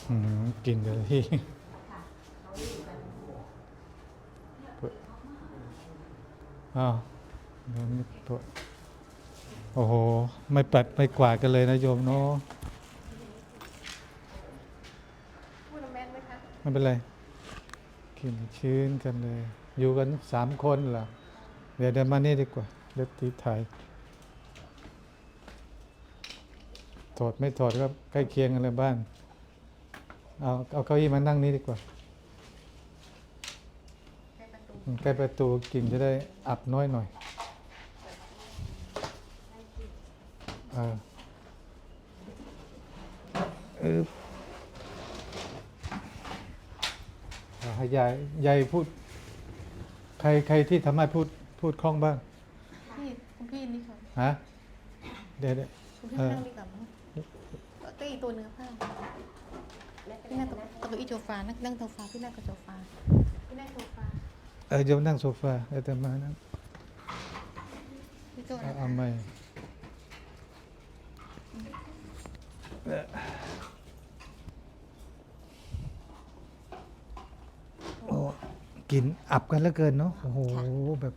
กินกันที่อ้าวโอ้โหไม่ปัดไม่กวาดกันเลยนะโยมเนาะพูดแม่นไหมคะไม่เป็นไรกินชื้นกันเลย อยู่กัน3 คนเหรอเดี๋ยวมานี่ดีกว่าเดี๋ยวตีถ่ายถอดไม่ถอดก็ใกล้เคียงกันเลยบ้านเอาเก้าอี้มานั่งนี้ดีกว่าใกล้ประตูกลิ่นจะได้อับน้อยหน่อยให้ยายพูดใครที่ทำให้พูดคล่องบ้างคุณพี่นี่ค่ะฮะเดี๋ยวคุณพี่นั่งดีกว่ามั้งก็อีตัวเนื้อผ้าพี่นั่งกับตัวอีโจฟานั่งโซฟาพี่นั่งกับโซฟาพี่นั่งโซฟาโยมนั่งโซฟาเดี๋ยวจะมานั่งพี่โจเอาไม่กินอับกันเหลือเกินเนาะโอ้โหแบบ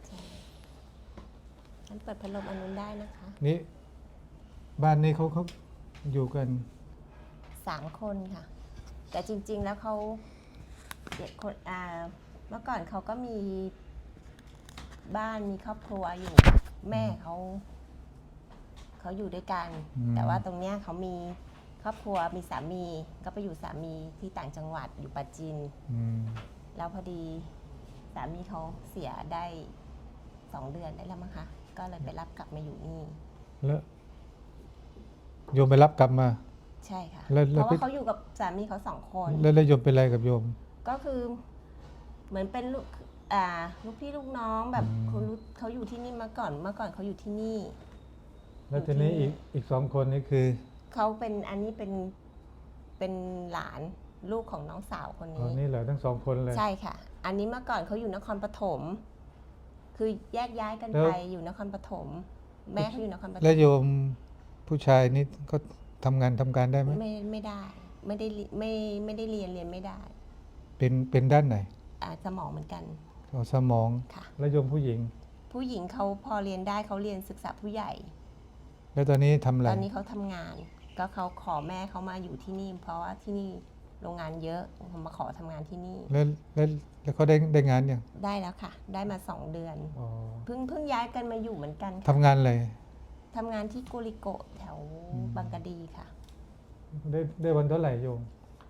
งั้นเปิดพัดลมอันนู้นได้นะคะนี่บ้านนี้เขาอยู่กัน 3 คนค่ะแต่จริงๆแล้วเขาเด็กคนเมื่อก่อนเขาก็มีบ้านมีครอบครัวอยู่แม่เขาอยู่ด้วยกันแต่ว่าตรงเนี้ยเขามีครอบครัวมีสามีก็ไปอยู่สามีที่ต่างจังหวัดอยู่ปราจีนแล้วพอดีสามีเขาเสียได้2 เดือนได้แล้วมั้งคะก็เลยไปรับกลับมาอยู่นี่แล้วโยมไปรับกลับมาใช่ค่ะเพราะว่าเขาอยู่กับสามีเขา2 คนแล้วโยมเป็นอะไรกับโยมก็คือเหมือนเป็นลูกพี่ลูกน้องแบบเขาอยู่ที่นี่เมื่อก่อนเขาอยู่ที่นี่แล้วทีนี้อีก2 คนนี่คือเขาเป็นอันนี้เป็นหลานลูกของน้องสาวคนนี้นี่เหรอทั้ง2 คนเลยใช่ค่ะอันนี้เมื่อก่อนเขาอยู่นครปฐมคือแยกย้ายกันไปอยู่นครปฐมแม่เขาอยู่นครปฐมแล้วโยมผู้ชายนี่เขาทำการได้ไหมไม่ได้ไม่ได้เรียนไม่ได้เป็นด้านไหนสมองเหมือนกันสมองค่ะแล้วโยมผู้หญิงเขาพอเรียนได้เขาเรียนศึกษาผู้ใหญ่แล้วตอนนี้ทำอะไรตอนนี้เขาทำงานก็เขาขอแม่เขามาอยู่ที่นี่เพราะว่าที่นี่โรงงานเยอะเขามาขอทำงานที่นี่แล้วเขาได้งานยังได้แล้วค่ะได้มา2 เดือนเพิ่งย้ายกันมาอยู่เหมือนกันทำงานอะไรทำงานที่โกริโกะแถวบางกะดีค่ะได้วันเท่าไหร่โยม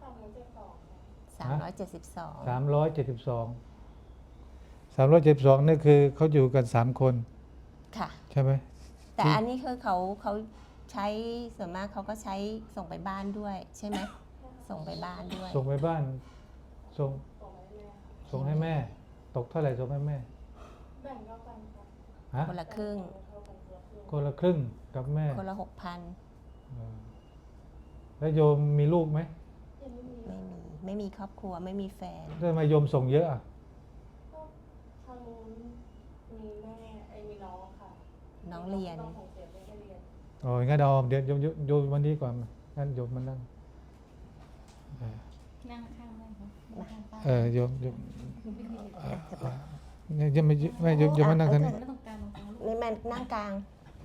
372 นี่คือเขาอยู่กัน3 คนค่ะใช่ไหมแต่อันนี้คือเขาใช้ส่วนมากเขาก็ใช้ส่งไปบ้านด้วยใช่ไหมส่งไปบ้านด้วยส่งไปบ้านส่งให้แม่ตกเท่าไหร่ส่งให้แม่แบ่งกันค่ะคนละครึ่งกับแม่คนละ6,000 แล้วโยมมีลูกไหมไม่มีครอบครัวไม่มีแฟนทำไมโยมส่งเยอะอ่ะทางนู้นมีแม่มีน้องค่ะน้องเรียนงั้นเดี๋ยวโยมวันนี้ก่อนงั้นโยมมานั่งข้างได้ครับโยมยังไม่โยมมานั่งทางนี้นี่มันนั่งกลาง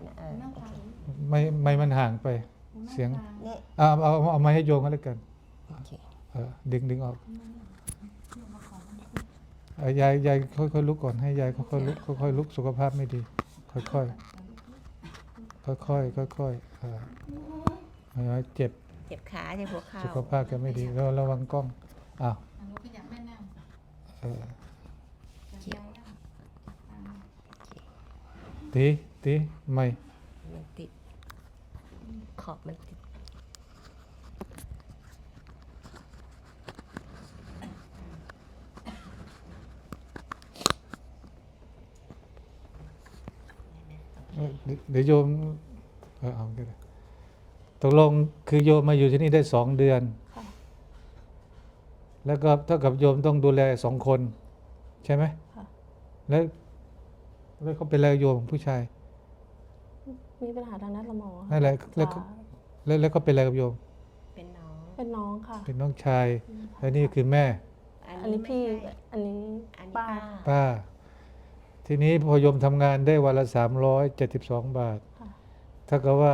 ไม่มันห่างไปเสียงเอาไม้ให้โยมก็แล้วกันดึงออกยายค่อยลุกก่อนให้ยายค่อยลุกค่อยลุกสุขภาพไม่ดีค่อยเจ็บขาเจ็บหัวเข่าสุขภาพจะไม่ดีก็ระวังกล้องตีไม่มันติดขอบมันติดเดี๋ยวโยมเอาก็ได้ตกลงคือโยมมาอยู่ที่นี่ได้2 เดือนแล้วก็เท่ากับโยมต้องดูแล2 คนใช่ไหมแล้วเขาเป็นอะไรโยมผู้ชายมีปัญหาทางด้านสมองนั่นแหละแล้วเขาเป็นอะไรกับโยมเป็นน้องเป็นน้องค่ะเป็นน้องชาย แล้วนี่คือแม่อันนี้พี่ไม่ใช่อันนี้อันนี้ป้าป้า ทีนี้พอโยมทำงานได้วันละ372 บาทค่ะถ้ากับว่า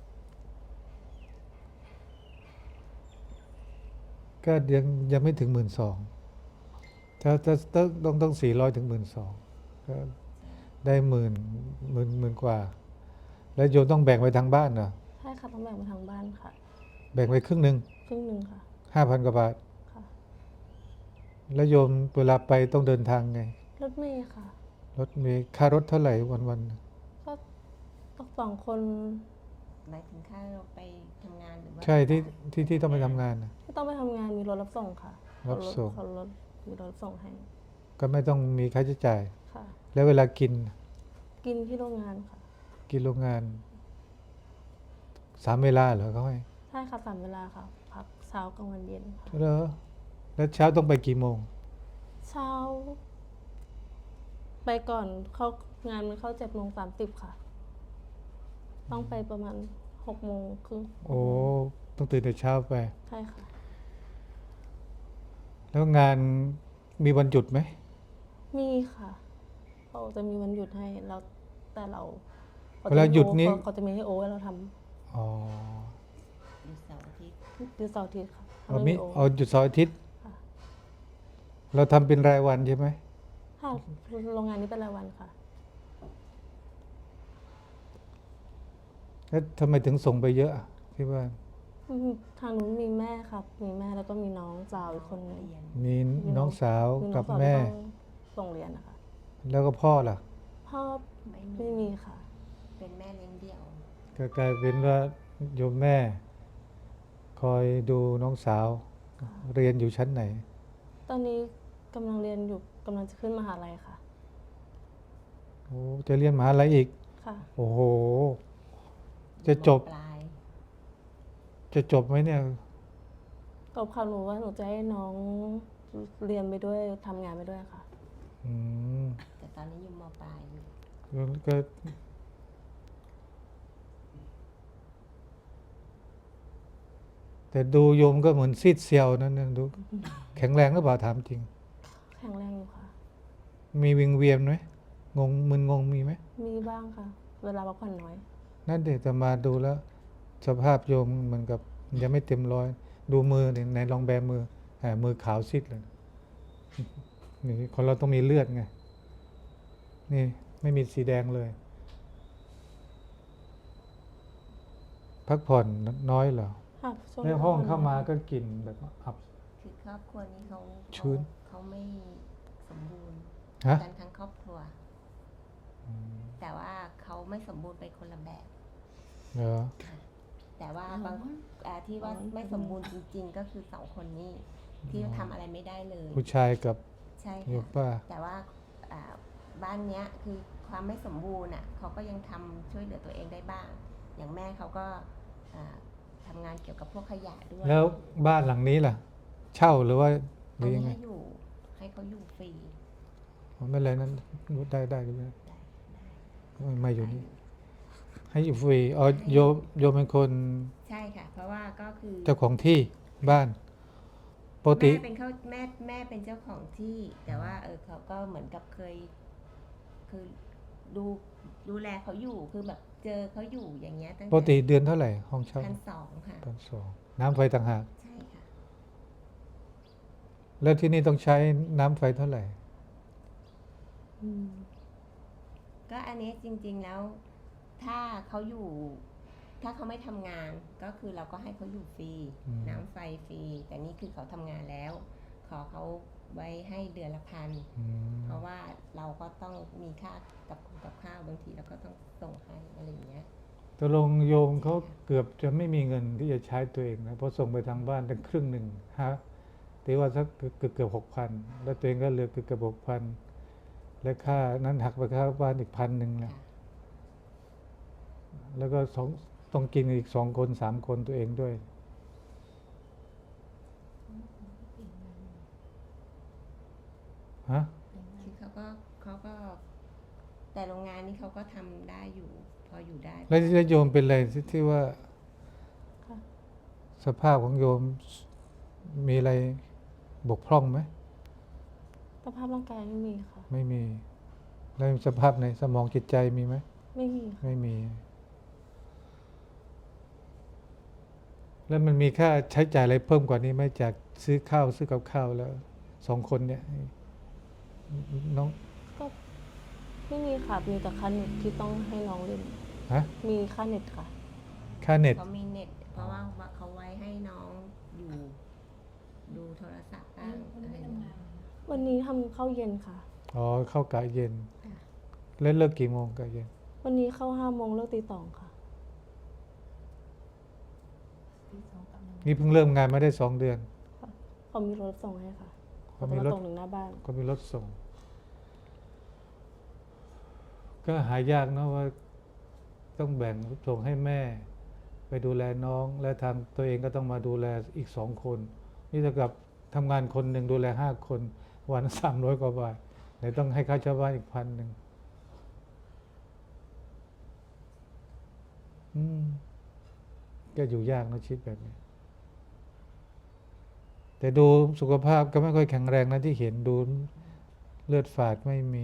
ก็ยังไม่ถึง12,000ถ้าต้อง400ถึง12,000ก็ได้หมื่นกว่า แล้วโยมต้องแบ่งไว้ทางบ้านเหรอใช่ค่ะต้องแบ่งมาทางบ้านค่ะแบ่งไว้ครึ่งหนึ่งครึ่งหนึ่งค่ะ 5,000 กว่าบาทค่ะแล้วโยมเวลาไปต้องเดินทางไงรถเมล์ค่ะรถมีค่ารถเท่าไหร่วันก็ต้องสองคนหมายถึงค่าเราไปทำงานหรือว่าๆใช่ที่ต้องไปทำงานน่ะไม่ต้องไปทำงานมีรถรับส่งค่ะรับส่งเขารถมีรถส่งให้ก็ไม่ต้องมีค่าใช้จ่ายค่ะแล้วเวลากินกินที่โรงงานค่ะกินโรงงาน3 เวลาเหรอเขาให้ใช่ค่ะ3 เวลาค่ะ พักเช้ากลางวันเย็นค่ะเหรอแล้วเช้าต้องไปกี่โมงเช้า ไปก่อนเข้างานมันเข้า7:30ค่ะ ต้องไปประมาณ6:30 โอ้ต้องตื่นแต่เช้าไปใช่ค่ะแล้วงานมีวันหยุดไหมมีค่ะเขาจะมีวันหยุดให้เราแต่เราเวลาหยุดนี้เขาจะมีให้โอให้เราทอ๋อหยุดเสาร์อาทิตย์ำหยุดเสาร์อาทิตย์ค่ะเอาไม่มีมีโอเอาหยุดเสาร์อาทิตย์ค่ะเราทำเป็นรายวันใช่ไหมค่ะโรงงานนี้เป็นรายวันค่ะแล้วทำไมถึงส่งไปเยอะอะที่บ้านทางนู้นมีแม่ครับ มีแม่แล้วก็มีน้องสาวอีกคนนึงเรียนมีมีน้องสาวมีน้กัอบ งสาวแม่ที่ต้องส่งเรียนนะคะแล้วก็พ่อล่ะพ่อไม่ไม่มีมีค่ะเป็นแม่เลี้ยงเดี่ยวก็กลายเป็นว่าโยมแม่ คอยดูน้องสาว เรียนอยู่ชั้นไหนตอนนี้กำลังเรียนอยู่กำลังจะขึ้นมหาลัยค่ะโอ้จะเรียนมหาลัยอีกค่ะโอ้โห จะจบปลายจะจบไหมเนี่ยตบข่าวหนูว่าหนูจะให้น้องเรียนไปด้วยทำงานไปด้วยค่ะอืมแต่ตอนนี้อยู่มปลายอยู่ก็แต่ดูโยมก็เหมือนซีดเซียวนั่นนะดู แข็งแรงหรือเปล่าถามจริงแข็งแรงอยู่ค่ะมีวิงเวียนไหมมึนงงมีไหมมีบ้างค่ะ เวลาพักผ่อนน้อยนั่นเด็กจะมาดูแล้ว สภาพโยมเหมือนกับยังไม่เต็มร้อย ดูมือเนี่ยไหนลองแบมือมือขาวซีดเลยนี่คนเราต้องมีเลือดไง นี่ไม่มีสีแดงเลย พักผ่อนน้อยเหรอค่ะช่วงในห้องพักผ่เข้ามาน้อยก็กลิ่นแบบอับคือครอบครัวนี้เขาชื้นเขาไม่สมบูรณ์ฮะกันทั้งครอบครัว แต่ว่าเขาไม่สมบูรณ์ไปคนละแบบเหรอแต่ว่าบางที่ว่าไม่สมบูรณ์จริง ๆ ก็คือ2 คนนี้ที่ทำอะไรไม่ได้เลยผู้ชายกับใช่โยค่ะมป้าแต่ว่าบ้านเนี้ยคือความไม่สมบูรณ์อ่ะเขาก็ยังทำช่วยเหลือตัวเองได้บ้าง อย่างแม่เขาก็ทำงานเกี่ยวกับพวกขยะด้วยแล้วบ้านหลังนี้ล่ะ เช่าหรือว่าหอัรืนอยันี้งไงให้เขาอยู่ฟรีอ๋อไม่เป็นไรนั้นได้ไม่อยู่นี่ ให้อยู่ฟรีอ๋อโยมเป็นคนใช่ค่ะ เพราะว่าก็คือเจ้าของที่บ้านปกติแม่เป็นเขาแม่เป็นเจ้าของที่ แต่ว่าเขาก็เหมือนกับคือดูแลเขาอยู่คือแบบเจอเขาอยู่อย่างเงี้ยตั้งปกติเดือนเท่าไหร่ห้องเช่า 1,200 ค่ะ 1,200น้ำไฟต่างหากใช่ค่ะแล้วที่นี่ต้องใช้น้ำไฟเท่าไหร่อืมก็อันนี้จริงๆแล้วถ้าเขาอยู่ ถ้าเขาไม่ทำงานก็คือเราก็ให้เขาอยู่ฟรีอืมน้ำไฟฟรีแต่นี่คือเขาทำงานแล้ว ขอเขาไว้ให้เดือนละ1,000 อืมเพราะว่าเราก็ต้องมีค่ากับข้าวบางทีเราก็ต้องส่งให้อะไรอย่างเงี้ยตกลงโยมเขาเกือบจะไม่มีเงินที่จะใช้ตัวเองนะเพราะส่งไปทางบ้านตั้งครึ่งหนึ่งฮะตีว่าสักเกือบ6,000แล้วตัวเองก็เหลือเกือบ6,000และค่านั้นหักไปค่าบ้านอีก1,000แหละค่ะแล้วก็ต้องกินอีก2 คน3 คนตัวเองด้วยฮะคือเขาก็แต่โรงงานนี้เขาก็ทำได้อยู่ พออยู่ได้แล้วโยมเป็นอะไรที่ว่าค่ะสภาพของโยมมีอะไรบกพร่องไหมสภาพร่างกายไม่มีค่ะไม่มี แล้วสภาพในสมองจิตใจมีไหมไม่มีค่ะไม่มี แล้วมันมีค่าใช้จ่ายอะไรเพิ่มกว่านี้ไหมจากซื้อข้าวซื้อกับข้าวแล้ว2 คนเนี่ยน้องก็ไม่มีค่ะ มีแต่ค่าเน็ตที่ต้องให้น้องเล่นฮะมีค่าเน็ตค่ะค่าเน็ตเขามีเน็ต เพราะว่าเขาไว้ให้น้องอยู่ดูโทรศัพท์บ้างอะไรอย่างเงี้ยวันนี้ทำข้าวเย็นค่ะอ๋อเข้ากะเย็นค่ะแล้วเลิกกี่โมงกะเย็นวันนี้เข้า5 โมงเลิกตี 2ค่ะนี่เพิ่งเริ่มงานมาได้2 เดือนเขามีรถส่งให้ค่ะเขาเขามีจะรมาถส่งถึงหน้าบ้านก็มีรถส่ง ก็หายากเนอะว่าต้องแบ่งส่งให้แม่ ไปดูแลน้อง และทางตัวเองก็ต้องมาดูแลอีก2 คน นี่เท่ากับทำงานคนหนึ่งดูแล5 คน วัน300 กว่าบาทไหนต้องให้ค่าเช่าบ้านอีก1,000ก็อยู่ยากนะชีวิตแบบนี้ แต่ดูสุขภาพก็ไม่ค่อยแข็งแรงนะที่เห็นดูเลือดฝาดไม่มี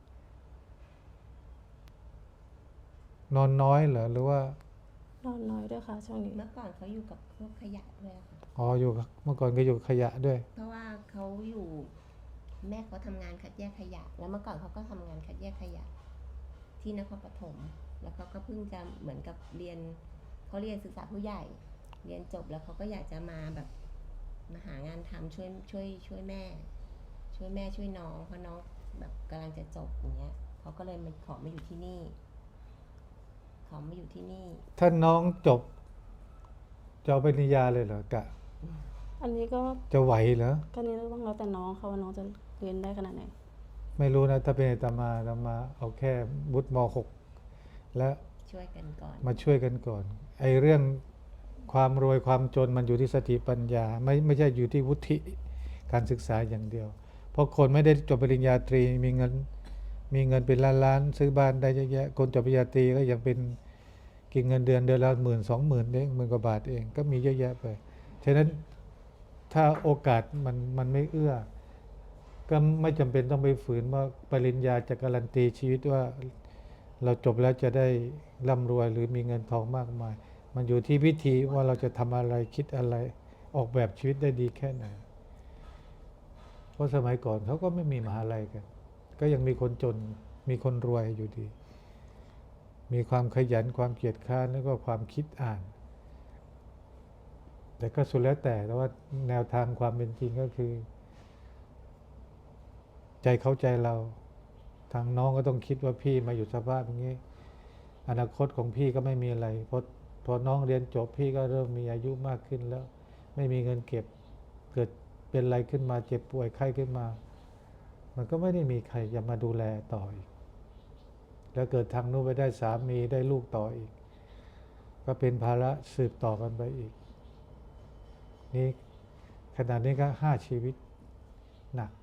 นอนน้อยเหรอหรือว่านอนน้อยด้วยค่ะช่วงนี้เมื่อก่อนเขาอยู่กับพวกขยะด้วยค่ะอ๋ออยู่กับเมื่อก่อนก็อยู่กับขยะด้วยเพราะว่าเขาอยู่แม่เขาทำงานคัดแยกขยะ แล้วเมื่อก่อนเขาก็ทำงานคัดแยกขยะ ที่นครปฐมแล้วเขาก็เพิ่งจะเหมือนกับเรียนเขาเรียนศึกษาผู้ใหญ่ เรียนจบแล้วเขาก็อยากจะมาแบบมาหางานทำช่วยแม่ ช่วยแม่ช่วยน้องเพราะน้องแบบกำลังจะจบอย่างเงี้ยเขาก็เลยมาขอมาอยู่ที่นี่ ขอมาอยู่ที่นี่ถ้าน้องจบจะเอาปริญญาเลยเหรอกะอันนี้ก็จะไหวเหรอก็นี่ต้องแล้วแต่น้องค่ะว่าน้องจะเรียนได้ขนาดไหนไม่รู้นะถ้าเป็นอาตมาเอาแค่วุฒิม .6 แล้วช่วยกันก่อนมาช่วยกันก่อน ไอ้เรื่องความรวยความจนมันอยู่ที่สติปัญญา ไม่ใช่อยู่ที่วุฒิการศึกษาอย่างเดียว เพราะคนไม่ได้จบปริญญาตรีมีเงินเป็นล้านๆซื้อบ้านได้เยอะแยะคนจบปริญญาตรีก็ยังเป็นกินเงินเดือนละ10,000-20,000เอง10,000 กว่าบาทเองก็มีเยอะแยะไปฉะนั้นถ้าโอกาสมันไม่เอื้อ ก็ไม่จำเป็นต้องไปฝืนว่าปริญญาจะการันตีชีวิตว่าเราจบแล้วจะได้ร่ำรวยหรือมีเงินทองมากมาย มันอยู่ที่วิธีว่าเราจะทำอะไรคิดอะไรออกแบบชีวิตได้ดีแค่ไหน เพราะสมัยก่อนเขาก็ไม่มีมหาลัยกัน ก็ยังมีคนจนมีคนรวยอยู่ดี มีความขยันความเกียจคร้านแล้วก็ความคิดอ่าน แต่ก็สุดแล้วแต่ว่าแนวทางความเป็นจริงก็คือ ใจเข้าใจเราทางน้องก็ต้องคิดว่าพี่มาอยู่สภาพอย่างนี้ อนาคตของพี่ก็ไม่มีอะไรพอน้องเรียนจบพี่ก็เริ่มมีอายุมากขึ้นแล้ว ไม่มีเงินเก็บเกิดเป็นอะไรขึ้นมาเจ็บป่วยไข้ขึ้นมา มันก็ไม่ได้มีใครจะมาดูแลต่ออีก แล้วเกิดทางนู้นไปได้สามีได้ลูกต่ออีก ก็เป็นภาระสืบต่อกันไปอีกนี่ขนาดนี้ก็5 ชีวิตหนัก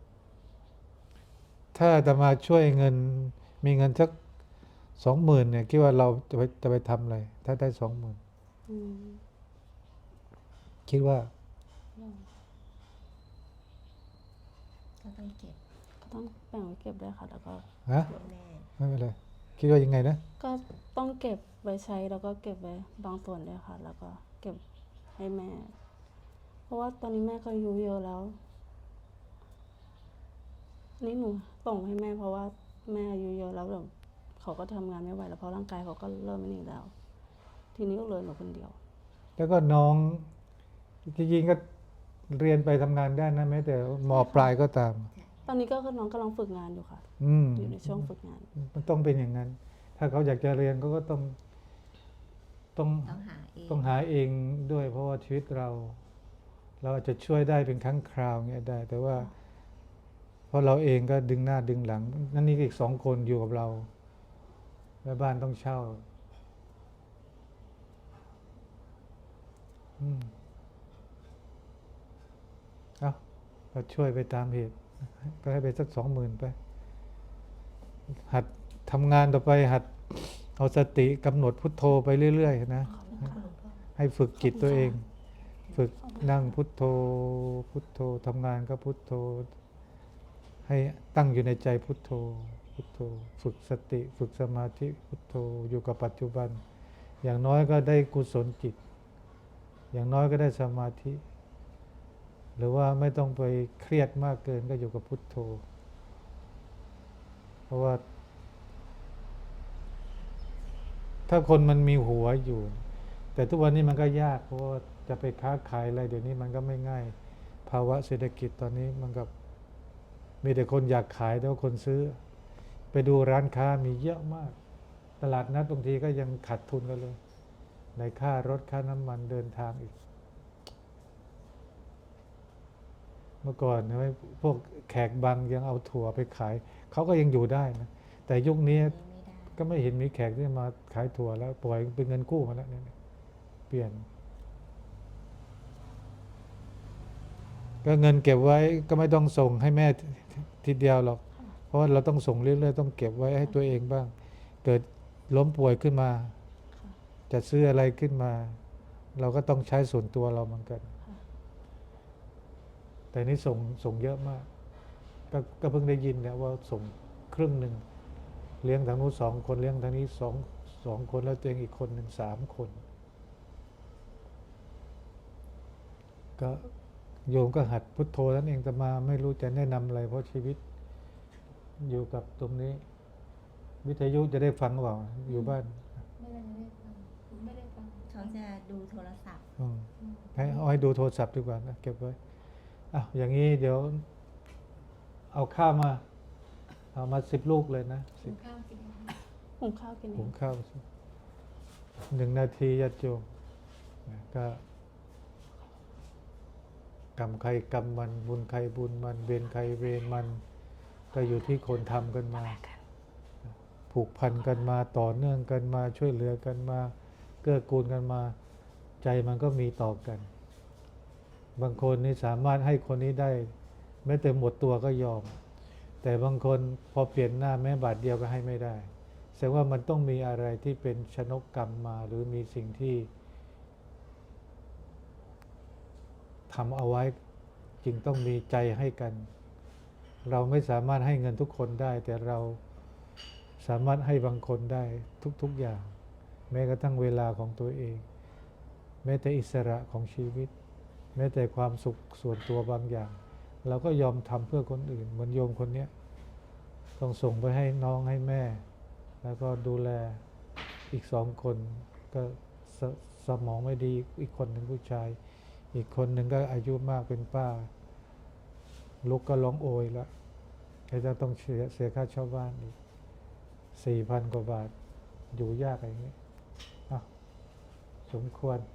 ถ้าจะมาช่วยเงินมีเงินสัก20,000เนี่ยคิดว่าเราจะไปทำอะไรถ้าได้20,000 อืมคิดว่าก็ต้องเก็บก็ต้องแบ่งไว้เก็บด้วยค่ะ แล้วก็ฮะแม่ไม่เป็นไรคิดว่ายังไงนะก็ต้องเก็บไว้ใช้แล้วก็เก็บไว้บางส่วนด้วยค่ะ แล้วก็เก็บให้แม่ เพราะว่าตอนนี้แม่ก็อายุเยอะแล้วอันนี้หนูส่งให้แม่เพราะว่าแม่อายุเยอะแล้วแบบเขาก็ทำงานไม่ไหวแล้วเพราะร่างกายเขาก็เริ่มไม่นี่แล้ว ทีนี้ก็เหลือหนูคนเดียวแล้วก็น้องจริงๆก็เรียนไปทำงานได้นะแม้แต่มปลายก็ตามตอนนี้ก็คือน้องกำลังฝึกงานอยู่ค่ะ อยู่ในช่วงฝึกงานมันต้องเป็นอย่างนั้น ถ้าเขาอยากจะเรียนเขาก็ต้องต้องหาเองต้องหาเองด้วย เพราะว่าชีวิตเราอาจจะช่วยได้เป็นครั้งคราวเงี้ยได้ แต่ว่าเพราะเราเองก็ดึงหน้าดึงหลัง นั่นนี่อีก2 คนอยู่กับเราแม่บ้านต้องเช่าเอาก็ช่วยไปตามเหตุ ก็ให้ไปสัก20,000ไป หัดทำงานต่อไปหัดเอาสติกำหนดพุทโธไปเรื่อยๆนะ ให้ฝึกจิตตัวเองฝึกนั่งพุทโธ พุทโธทำงานก็พุทโธ ให้ตั้งอยู่ในใจพุทโธ พุทโธ ฝึกสติ ฝึกสมาธิพุทโธอยู่กับปัจจุบัน อย่างน้อยก็ได้กุศลจิต อย่างน้อยก็ได้สมาธิ หรือว่าไม่ต้องไปเครียดมากเกินก็อยู่กับพุทโธ เพราะว่า ถ้าคนมันมีหัวอยู่ แต่ทุกวันนี้มันก็ยากเพราะว่าจะไปค้าขายอะไรเดี๋ยวนี้มันก็ไม่ง่าย ภาวะเศรษฐกิจตอนนี้มันกับมีแต่คนอยากขายแต่ว่าคนซื้อ ไปดูร้านค้ามีเยอะมาก ตลาดนัดบางทีก็ยังขาดทุนกันเลย ในค่ารถค่าน้ำมันเดินทางอีก เมื่อก่อนนะพวกแขกบางยังเอาถั่วไปขาย เขาก็ยังอยู่ได้นะ แต่ยุคนี้ไม่ได้ก็ไม่เห็นมีแขกที่มาขายถั่วแล้ว ปล่อยเป็นเงินกู้มาแล้วเนี่ยเปลี่ยน ก็เงินเก็บไว้ก็ไม่ต้องส่งให้แม่ทีเดียวหรอก เพราะว่าเราต้องส่งเรื่อยๆต้องเก็บไว้ให้ตัวเองบ้าง เกิดล้มป่วยขึ้นมา จะซื้ออะไรขึ้นมา เราก็ต้องใช้ส่วนตัวเราเหมือนกัน แต่นี่ส่งเยอะมาก ก็เพิ่งได้ยินเนี่ยว่าส่งครึ่งหนึ่ง เลี้ยงทางนู้น2 คนเลี้ยงทางนี้สองคนแล้วตัวเองอีกคนหนึ่ง3 คน ก็โยมก็หัดพุทโธนั่นเองแต่มาไม่รู้จะแนะนำอะไรเพราะชีวิตอยู่กับตรงนี้ วิทยุจะได้ฟังหรือเปล่าอยู่บ้านไม่ได้ฟังเขาจะดูโทรศัพท์ให้ดูโทรศัพท์ดีกว่านะเก็บไว้อย่างนี้เดี๋ยวเอาข้าวมา เอามา10 ลูกเลยนะกินข้าวกินหุงข้าวกินเอหุงงข้าว1 นาทีญาติโยมนะก็กรรมใครกรรมมันบุญใครบุญมันเวรใครเวรมัน ก็อยู่ที่คนทำกันมา ผูกพันกันมาต่อเนื่องกันมาช่วยเหลือกันมาเกื้อกูลกันมา ใจมันก็มีต่อกัน บางคนนี่สามารถให้คนนี้ได้แม้แต่หมดตัวก็ยอม แต่บางคนพอเปลี่ยนหน้าแม้บาทเดียวก็ให้ไม่ได้แสดงว่ามันต้องมีอะไรที่เป็นชนกกรรมมา หรือมีสิ่งที่ทำเอาไว้จึงต้องมีใจให้กัน เราไม่สามารถให้เงินทุกคนได้ แต่เราสามารถให้บางคนได้ทุกๆอย่าง แม้กระทั่งเวลาของตัวเอง แม้แต่อิสระของชีวิต แม้แต่ความสุขส่วนตัวบางอย่าง เราก็ยอมทำเพื่อคนอื่นเหมือนโยมคนนี้ต้องส่งไปให้น้องให้แม่ แล้วก็ดูแลอีก2 คนก็สมองไม่ดีอีกคนหนึ่งผู้ชาย อีกคนหนึ่งก็อายุมากเป็นป้าลูกก็ร้องโอยแล้วจะต้องเสียค่าเช่าบ้านอีก 4,000 กว่าบาทอยู่ยากอย่างนี้สมควร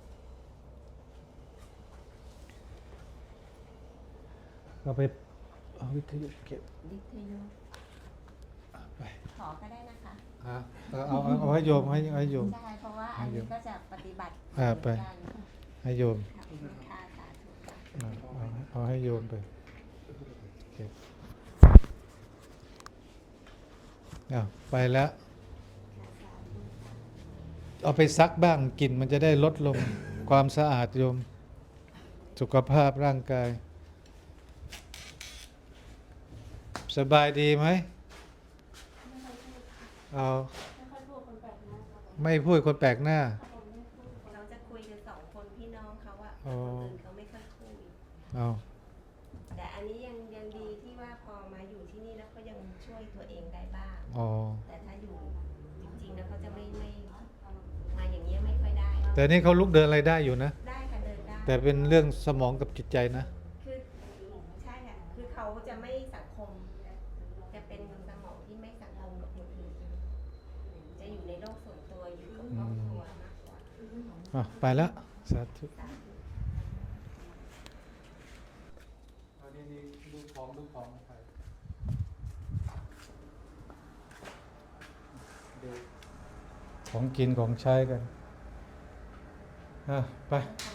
เราไปเอาวิทยุเก็บวิทยุไปขอก็ได้นะคะเอาให้โยมให้โยมใช่เพราะว่าอันนี้ก็จะปฏิบัติไปเหมือนกันให้โยมค่ะค่ะสาธุค่ะเอาให้โยมไปเก็บไปแล้ว เอาไปซักบ้างกลิ่นมันจะได้ลดลง ความสะอาดโยม สุขภาพร่างกาย สบายดีไหมเอาไม่พูดคนแปลกหน้าเราจะคุยกัน2 คนพี่น้องเขาอะอ๋อคนอื่นเขาไม่ค่อยคุยเอาแต่อันนี้ยังดีที่ว่าพอมาอยู่ที่นี่แล้วก็ยังช่วยตัวเองได้บ้างอ๋อแต่ถ้าอยู่จริงๆแล้วเขาจะไม่มาอย่างนี้ยไม่ค่อยได้แต่นี่เขาลุกเดินอะไรได้อยู่นะได้ค่ะเดินได้แต่เป็นเรื่องสมองกับจิตใจนะคือใช่ค่ะคือเขาจะไม่สังคม จะเป็นสมองที่ไม่สังคมกับคนอื่นจะอยู่ในโลกส่วนตัวอยู่กับครอบครัวมากกว่าไปแล้วสาธุดูของไปของกินของใช้กันไป